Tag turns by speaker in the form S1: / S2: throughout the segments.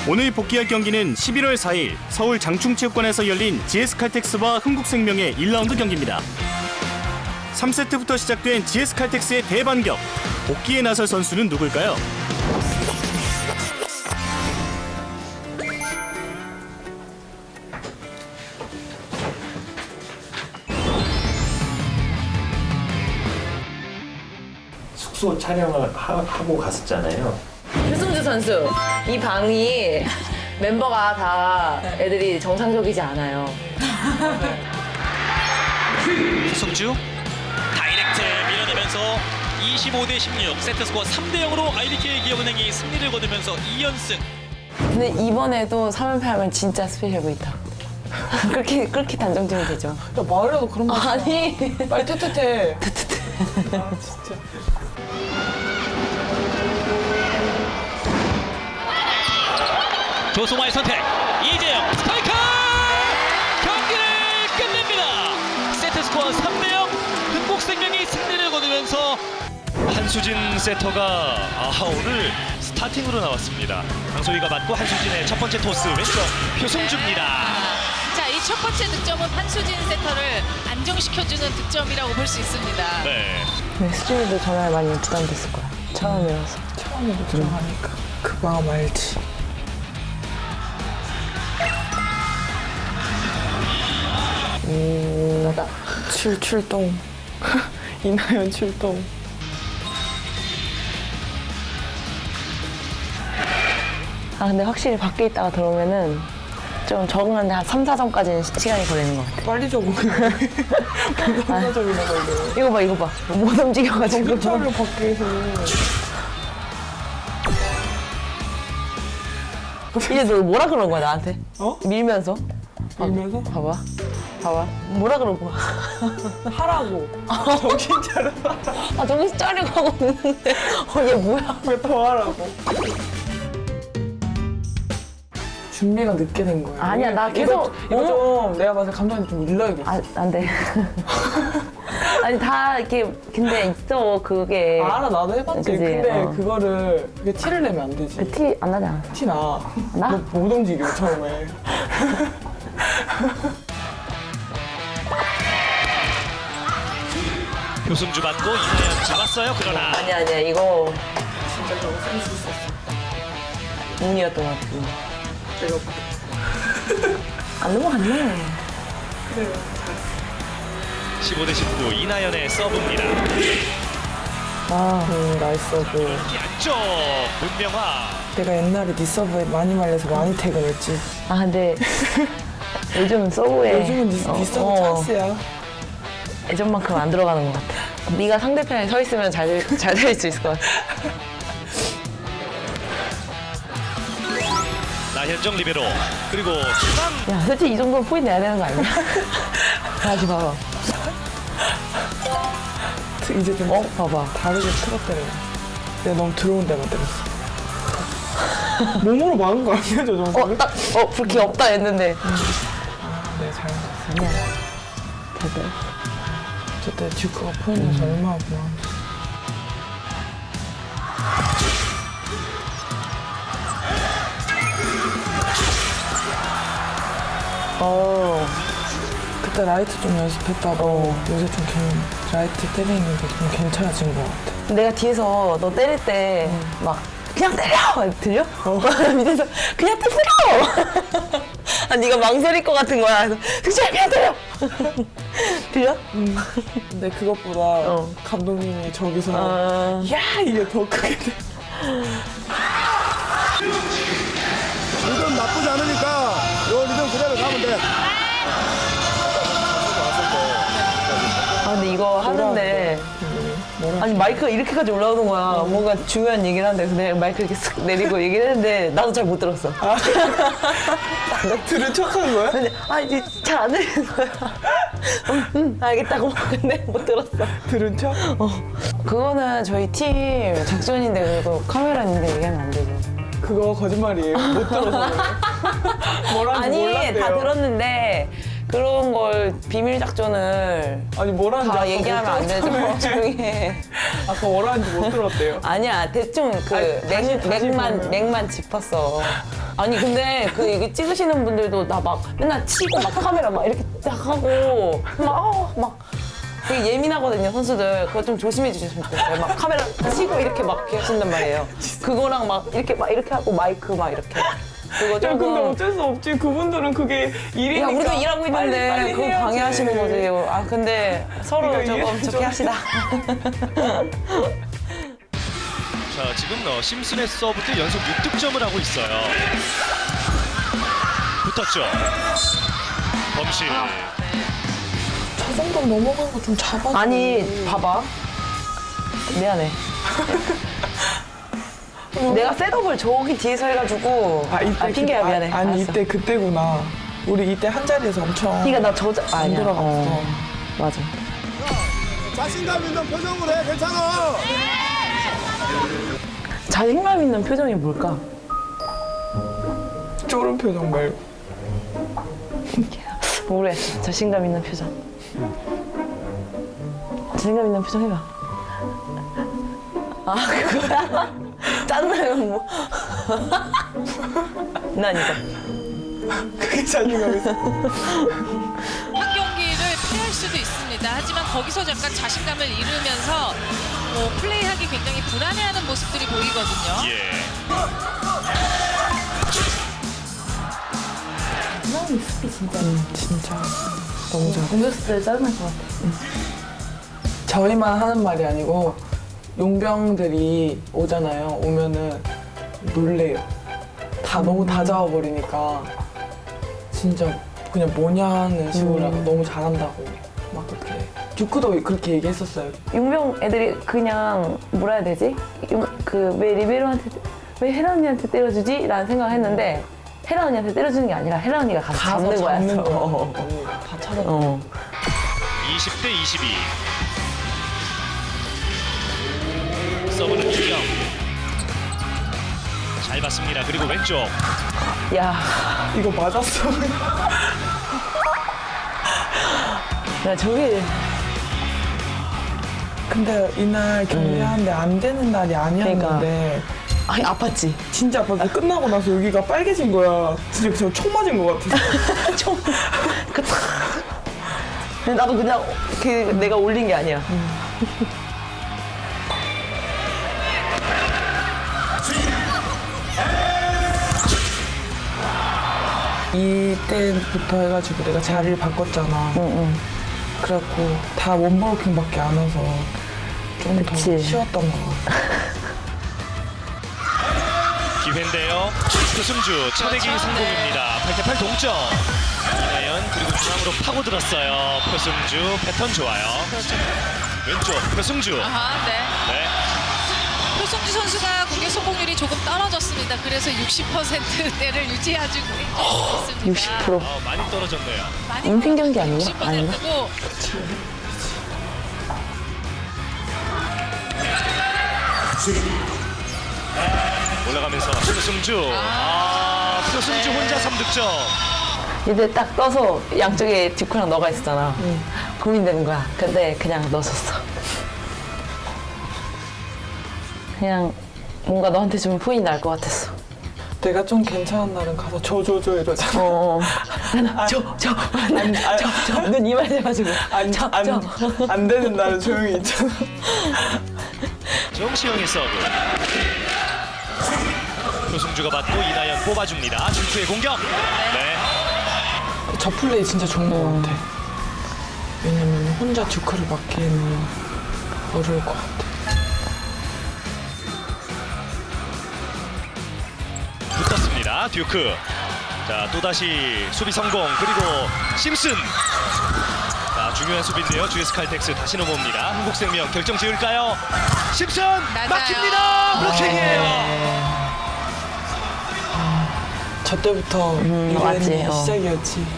S1: 오늘 복귀할 경기는 11월 4일 서울 장충체육관에서 열린 GS칼텍스와 흥국생명의 1라운드 경기입니다. 3세트부터 시작된 GS칼텍스의 대반격. 복귀에 나설 선수는 누굴까요?
S2: 숙소 촬영을 하고 갔었잖아요.
S3: 표승주 선수, 이 방이 멤버가 다 애들이 정상적이지 않아요.
S4: 표승주 다이렉트 밀어내면서 25대 16 세트스코어 3대 0으로 IBK 기업은행이 승리를 거두면서 2연승.
S3: 근데 이번에도 3연패 하면 진짜 스페셜 보이다. 그렇게 단정지면 되죠.
S5: 야, 말해도 그런 말
S3: 아니.
S5: 빨리 뜨뜻해.
S4: 조승화의 선택, 이재영 스파이크! 경기를 끝냅니다. 세트스코어 3대 0, 흥국생명이 승리를 거두면서 한수진 세터가 오늘 스타팅으로 나왔습니다. 강소희가 맞고 한수진의 첫 번째 토스 왼쪽 표승주입니다.
S6: 자, 이 첫 번째 득점은 한수진 세터를 안정시켜주는 득점이라고 볼 수 있습니다.
S4: 네.
S3: 네, 수진이도 전화에 많이 부담됐을 거야. 처음이라서.
S5: 처음으로 들어가니까 그 마음 알지. 출동. 이나연 출동.
S3: 근데 확실히 밖에 있다가 들어오면은 좀 적응하는데 한 3, 4점까지는 시간이 걸리는 것 같아.
S5: 빨리 적응해. 부담적이네 걸려.
S3: 이거 봐. 못 움직여가지고.
S5: 차를 밖에서.
S3: 이제 너 뭐라 그런 거야, 나한테?
S5: 어?
S3: 밀면서?
S5: 밀면서?
S3: 봐봐. 뭐라 그런 거야?
S5: 하라고. 정신 차려.
S3: 정신 차리고 하고 있는데. 얘 뭐야?
S5: 왜 더 하라고. 준비가 늦게 된 거야.
S3: 아니야, 나 계속.
S5: 이거 좀 내가 봐서 감독님 좀 일러야겠어.
S3: 안 돼. 아니, 다 이렇게, 근데 있어, 그게.
S5: 알아, 나도 해봤지.
S3: 그지?
S5: 근데
S3: 어.
S5: 그거를 그게 티를 내면 안 되지.
S3: 티 안 나지 않았어?
S5: 티 나.
S3: 나?
S5: 너 못 움직여, 처음에.
S4: 표승주 맞고 이나연 잡았어요. 그러나
S3: 아니야, 이거. 진짜 저거 센스 있었어. 운이었던 것 같아. 안 넘어갔네.
S4: 15대 19 이나연의 서브입니다.
S5: 나이스 서브.
S4: 안쪽 문명화.
S5: 내가 옛날에 네 서브에 많이 말려서 많이 퇴근했지.
S3: 근데 요즘 서브에
S5: 요즘은 네 서브 찬스야.
S3: 예전만큼 안 들어가는 것 같아. 네가 상대편에 서 있으면 잘 될 수 있을 것 같아.
S4: 나현정 리베로 그리고 중앙.
S3: 야, 솔직히 이 정도는 포인트 내야 되는 거 아니야? 다시 봐봐.
S5: 이제 좀
S3: 봐봐.
S5: 다르게 틀었대요. 내가 너무 들어온 데만 때렸어. 몸으로 막은 거 아니야, 저 정도는?
S3: 불키 없다 했는데.
S5: 네, 잘못했어.
S3: 아니야. 됐다.
S5: 저때 듀크가 포인트에서 얼마나 고마워. 그때 라이트 좀 연습했다고 요새 좀 라이트 때리는 게 좀 괜찮아진 것 같아.
S3: 내가 뒤에서 너 때릴 때 막 그냥 때려! 들려? 밑에서 그냥 때려! 네가 망설일 것 같은 거야. 그래서 그냥 때려! 들려?
S5: 근데 그것보다 감독님이 저기서 야! 이게 더 크게 돼.
S7: 리듬 나쁘지 않으니까 요 리듬 그대로 가면 돼.
S3: 근데 이거 하는데 아니 마이크가 이렇게까지 올라오는 거야. 뭔가 중요한 얘기를 하는데 그래서 내가 마이크 이렇게 쓱 내리고 얘기를 했는데 나도 잘 못 들었어.
S5: 들은 척한 거야?
S3: 이제 잘 안 들리는 거야. 알겠다고 근데 못 들었어.
S5: 들은 척?
S3: 그거는 저희 팀 작전인데 그리고 카메라인데 얘기하면 안 되죠.
S5: 그거 거짓말이에요. 못 들어서 그래요. 뭐라는지
S3: 아니
S5: 몰랐대요.
S3: 다 들었는데 그런 걸 비밀 작전을
S5: 아니 뭐라는지
S3: 다
S5: 아까
S3: 얘기하면 안 되죠. 조용히 해.
S5: 아까 뭐라는지 못 들었대요.
S3: 아니야, 대충 그
S5: 다시 보면.
S3: 맥만 짚었어. 아니 근데 그 이게 찍으시는 분들도 나 막 맨날 치고 막 카메라 막 이렇게 딱 하고 막 되게 예민하거든요, 선수들. 그거 좀 조심해 주셨으면 좋겠어요. 막 카메라 치고 이렇게 막 하신단 말이에요. 그거랑 막 이렇게 하고 마이크 막 이렇게. 그거
S5: 야, 근데
S3: 조금.
S5: 어쩔 수 없지. 그분들은 그게 일이니까.
S3: 야, 우리도 일하고 있는데
S5: 빨리
S3: 그거
S5: 해야지.
S3: 방해하시는 거지. 아, 근데 서로
S5: 그러니까
S3: 조금
S5: 이해해줘.
S3: 좋게 합시다.
S4: 자, 지금 심슨의 서브도 연속 6득점을 하고 있어요. 붙었죠. 범실.
S5: 저 정도 넘어간 거 좀 잡아줘.
S3: 아니, 봐봐. 미안해. 내가 셋업을 저기 뒤에서 해가지고. 핑계야, 미안해.
S5: 아니
S3: 알았어.
S5: 이때 그때구나. 우리 이때 한 자리에서 엄청
S3: 그러니까 나 저자
S5: 안
S3: 아니야.
S5: 들어갔어.
S3: 맞아.
S7: 자신감 있는 표정으로 해. 괜찮아.
S3: 자신감 있는 표정이 뭘까?
S5: 쫄은 표정 말고.
S3: 모르겠어. 자신감 있는 표정. 자신감 있는 표정 해봐. 아, 그거야? 짠나면 뭐. 난 이거.
S5: 그게 자신감 있어.
S6: 한 경기를 패할 수도 있습니다. 하지만 거기서 잠깐 자신감을 잃으면서 플레이하기 굉장히 불안해하는 모습들이 보이거든요.
S4: 예.
S5: 진짜 너무 잘해.
S3: 공격수 때 짜증날 것 같아.
S5: 저희만 하는 말이 아니고 용병들이 오잖아요. 오면은 놀래요. 다 너무 다 잡아버리니까 진짜 그냥 뭐냐는 식으로 하고 너무 잘한다고 막 그렇게. 듀크도 그렇게 얘기했었어요.
S3: 용병 애들이 그냥 뭐라 해야 되지? 왜 리베로한테 왜 혜라 언니한테 때려주지? 라는 생각을 했는데 혜라 언니한테 때려주는 게 아니라 혜라 언니가 가서 잡는 거야.
S5: 잡는 거야. 다 찾아.
S4: 20대 22. 서브는 유경. 잘 봤습니다. 그리고 왼쪽.
S3: 야,
S5: 이거 맞았어.
S3: 나 저기
S5: 근데 이날 경기하는데 안 되는 날이 아니었는데
S3: 아니 아팠지.
S5: 진짜 아팠어. 끝나고 나서 여기가 빨개진 거야. 진짜 저 총 맞은 것 같아.
S3: 총. 근데 나도 그냥 내가 올린 게 아니야.
S5: 이때부터 해가지고 내가 자리를 바꿨잖아. 그래갖고 다 원버킹밖에 안 와서 좀 더
S3: 그치.
S5: 쉬웠던 거 같아.
S4: 기회인데요. 표승주 차례기
S6: 그렇죠.
S4: 성공입니다. 8대8 동점. 이나연 그리고 중앙으로 파고들었어요. 표승주 패턴 좋아요. 왼쪽 표승주.
S6: 아하, 네.
S4: 네.
S6: 표승주 선수가 공격 성공률이 조금 떨어졌습니다. 그래서 60%대를 유지해주고 있습니다.
S3: 60%.
S4: 많이 떨어졌네요.
S6: 많이
S3: 인생 경기 아니야?
S6: 60%고
S4: 올라가면서 표승주. 표승주 혼자 3득점.
S3: 이제 딱 떠서 양쪽에 듀크랑 너가 있었잖아. 고민되는 거야. 근데 그냥 넣었었어. 그냥 뭔가 너한테 주면 포인이 날 것 같았어.
S5: 내가 좀 괜찮은 날은 가서 저 이러잖아.
S3: 눈 이만해가지고.
S5: 안 되는 날은 조용히 있잖아.
S4: 정시영의 서브. 표승주가 받고 이나연 뽑아줍니다. 듀크의 공격. 네.
S5: 저 플레이 진짜 좋은 것 같아. 왜냐면 혼자 듀크를 막기에는 어려울 것 같아.
S4: 붙었습니다. 듀크. 자, 또다시 수비 성공. 그리고 심슨. 자, 중요한 수비인데요. GS 칼텍스 다시 넘어옵니다. 한국생명 결정 지을까요? 심슨 막힙니다. 블로킹이에요.
S5: 저 때부터
S3: 맞지,
S5: 유엔이 시작이었지.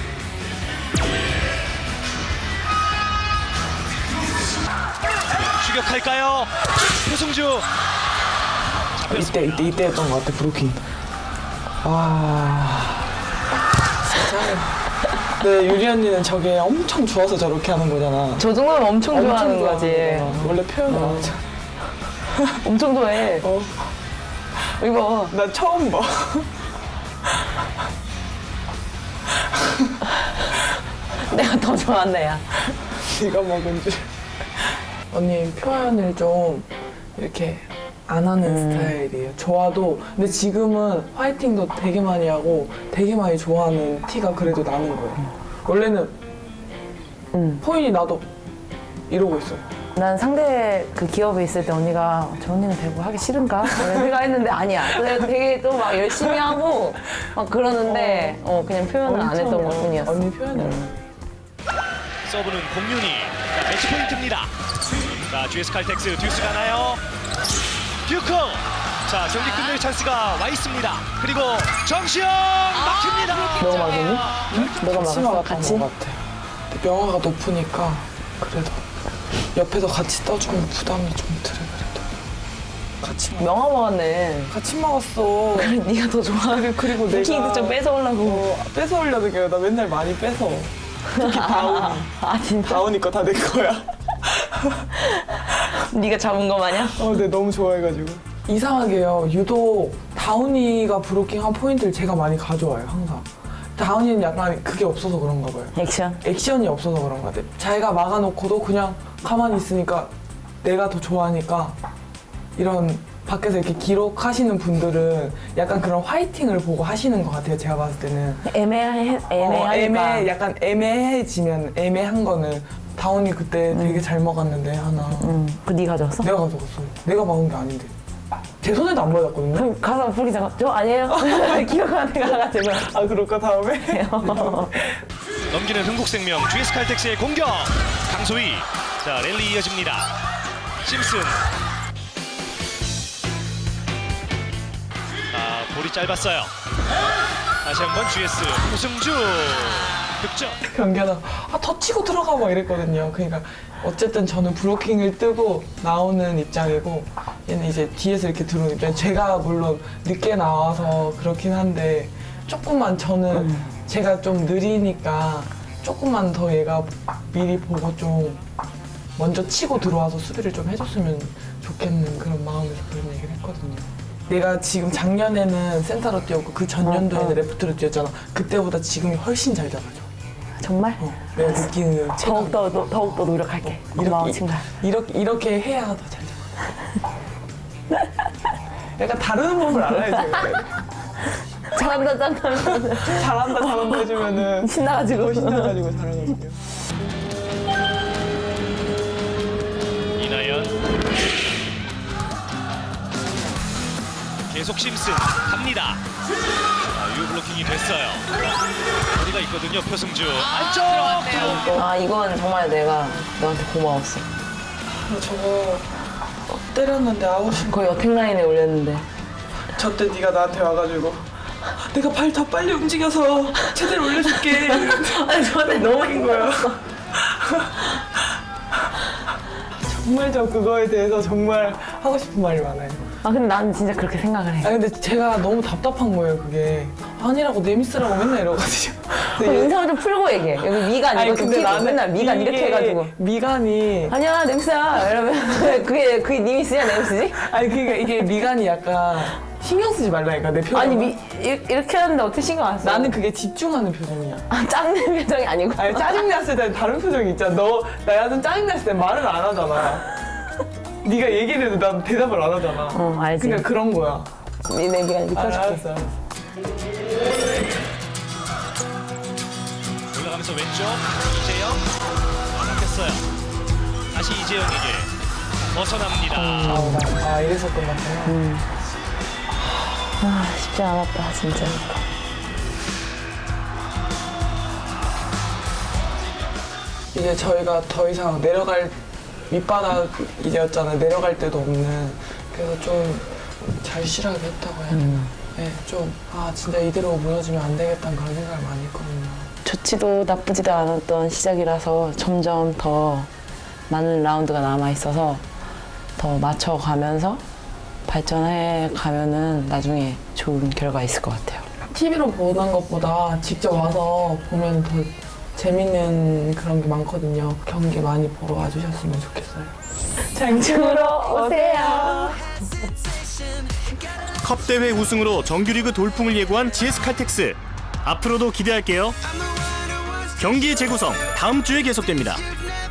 S4: 추격할까요? 표승주. 잡혔습니다.
S5: 이때였던 것 같아, 브루킹. 와. 진짜. 근데 유리 언니는 저게 엄청 좋아서 저렇게 하는 거잖아.
S3: 저 정도면 엄청 좋아하는 거지.
S5: 거잖아. 원래 표현을 안 하잖아.
S3: 엄청 좋아해. 이거
S5: 나 처음 봐.
S3: 내가 더 좋아한다, 야.
S5: 네가 먹은 줄. 언니 표현을 좀 이렇게 안 하는 스타일이에요. 좋아도 근데 지금은 화이팅도 되게 많이 하고 되게 많이 좋아하는 티가 그래도 나는 거예요. 원래는 포인이 나도 이러고 있어요.
S3: 난 상대 그 기업에 있을 때 언니가 저 언니는 배구 하기 싫은가? 이런 생각했는데 아니야. 내가 되게 또 막 열심히 하고 막 그러는데 그냥 표현을 안 했던 것 뿐이었어.
S5: 언니 표현을 안 해.
S4: 서브는 공윤이. 자, 매치 포인트입니다. 자, GS 칼텍스 듀스 가나요? 듀크. 자, 경기 끝낼 찬스가 와 있습니다. 그리고 정시영 막힙니다.
S3: 너가 막았니? 너가
S5: 같이
S3: 막았어?
S5: 막았던
S3: 같이?
S5: 것 같아. 근데 명화가 높으니까 그래도 옆에서 같이 떠주면 부담이 좀 덜해 그래도. 같이
S3: 명화 먹었네.
S5: 같이 먹었어.
S3: 그래, 네가 더 좋아하고
S5: 그리고
S3: 부킹도 좀 뺏어오려고.
S5: 뺏어오려는 게 나 맨날 많이 뺏어. 특히 다운이.
S3: 아 진짜?
S5: 다운이 거 다 내 거야.
S3: 네가 잡은 거 마냥?
S5: 근데 너무 좋아해가지고. 이상하게요. 유독 다운이가 브로킹한 포인트를 제가 많이 가져와요, 항상. 다운이는 약간 그게 없어서 그런가 봐요.
S3: 액션?
S5: 액션이 없어서 그런 것 같아요. 자기가 막아놓고도 그냥 가만히 있으니까 내가 더 좋아하니까 이런 밖에서 이렇게 기록하시는 분들은 약간 그런 화이팅을 보고 하시는 것 같아요. 제가 봤을 때는.
S3: 애매하니까.
S5: 약간 애매해지면 애매한 거는 다운이 그때 되게 잘 먹었는데 하나.
S3: 그 네 가져왔어?
S5: 내가 가져갔어. 내가 막은 게 아닌데. 제 손에도 안 맞았거든요.
S3: 그럼 가서 부리 잡아. 저 아니에요? 기억하는 애가 가가지고.
S5: 아 그럴까 다음에?
S4: 넘기는 흥국생명 GS 칼텍스의 공격. 강소희. 자, 랠리 이어집니다. 심슨. 자, 볼이 짧았어요. 다시 한번 GS 우승주 득점.
S5: 경기하다 더 치고 들어가 막 이랬거든요. 그러니까 어쨌든 저는 브로킹을 뜨고 나오는 입장이고 얘는 이제 뒤에서 이렇게 들어오는 입장. 제가 물론 늦게 나와서 그렇긴 한데 조금만 저는 제가 좀 느리니까 조금만 더 얘가 미리 보고 좀 먼저 치고 들어와서 수비를 좀 해줬으면 좋겠는 그런 마음에서 그런 얘기를 했거든요. 내가 지금 작년에는 센터로 뛰었고 그 전년도에는 레프트로 뛰었잖아. 그때보다 지금이 훨씬 잘 잡아줘.
S3: 정말?
S5: 내가 느끼는 체감.
S3: 더욱더 노력할게. 고마워, 친구야.
S5: 이렇게 해야 더 잘 잡아. 약간 다루는 법을 알아야지.
S3: 잘한다,
S5: 잘한다 해주면은
S3: 신나가지고.
S5: 더 신나가지고 잘하거든요.
S4: 이나연. 계속 심슨 갑니다. 자, 유효 블로킹이 됐어요. 거리가 있거든요. 표승주 안쪽.
S6: 들어왔네요.
S3: 아, 이건 정말 내가 너한테 고마웠어.
S5: 저거 때렸는데 아웃인 거.
S3: 거의 어택라인에 올렸는데.
S5: 저때 네가 나한테 와가지고 내가 발 더 빨리 움직여서 제대로 올려줄게.
S3: 아니, 저한테 너무
S5: 인 거야. 정말 저 그거에 대해서 정말 하고 싶은 말이 많아요.
S3: 아, 근데 나는 진짜 그렇게 생각을 해.
S5: 근데 제가 너무 답답한 거예요, 그게. 아니라고 내 미스라고 맨날 이러거든요.
S3: 그럼 인상을 좀 풀고 얘기해. 여기 미간 이거 좀 끼고 맨날 미간 이렇게 해가지고.
S5: 미간이
S3: 아니야, 냄새야. 이러면 그게 네 미스야, 내 미스지?
S5: 아니 그러니까 이게 미간이 약간 신경 쓰지 말라니까 내 표정.
S3: 아니, 이렇게 하는데 어떻게 신경 안 써?
S5: 나는 그게 집중하는 표정이야.
S3: 아, 짠는 표정이 아니고.
S5: 아니 짜증났을 때 다른 표정이 있잖아. 나한테 짜증났을 때 말을 안 하잖아. 네가 얘기를 해도 난 대답을 안 하잖아.
S3: 알지.
S5: 그러니까 그런 거야.
S3: 내 미간 이렇게 펴줄게.
S5: 알았어.
S4: 올라가면서 왼쪽 이재영 바뀌었어요. 다시 이재영에게 벗어납니다.
S5: 아 이래서 끝났구나.
S3: 아, 쉽지 않았다, 진짜.
S5: 이제 저희가 더 이상 내려갈 밑바닥이었잖아요. 내려갈 데도 없는. 그래서 좀 절실하게 했다고 해야 되나. 네, 좀 진짜 이대로 무너지면 안 되겠다는 그런 생각을 많이 했거든요.
S3: 좋지도 나쁘지도 않았던 시작이라서 점점 더 많은 라운드가 남아있어서 더 맞춰가면서 발전해 가면은 나중에 좋은 결과 있을 것 같아요.
S5: TV로 보는 것보다 직접 와서 보면 더 재밌는 그런 게 많거든요. 경기 많이 보러 와주셨으면 좋겠어요.
S3: 장충으로 오세요.
S1: 컵 대회 우승으로 정규리그 돌풍을 예고한 GS 칼텍스. 앞으로도 기대할게요. 경기의 재구성 다음 주에 계속됩니다.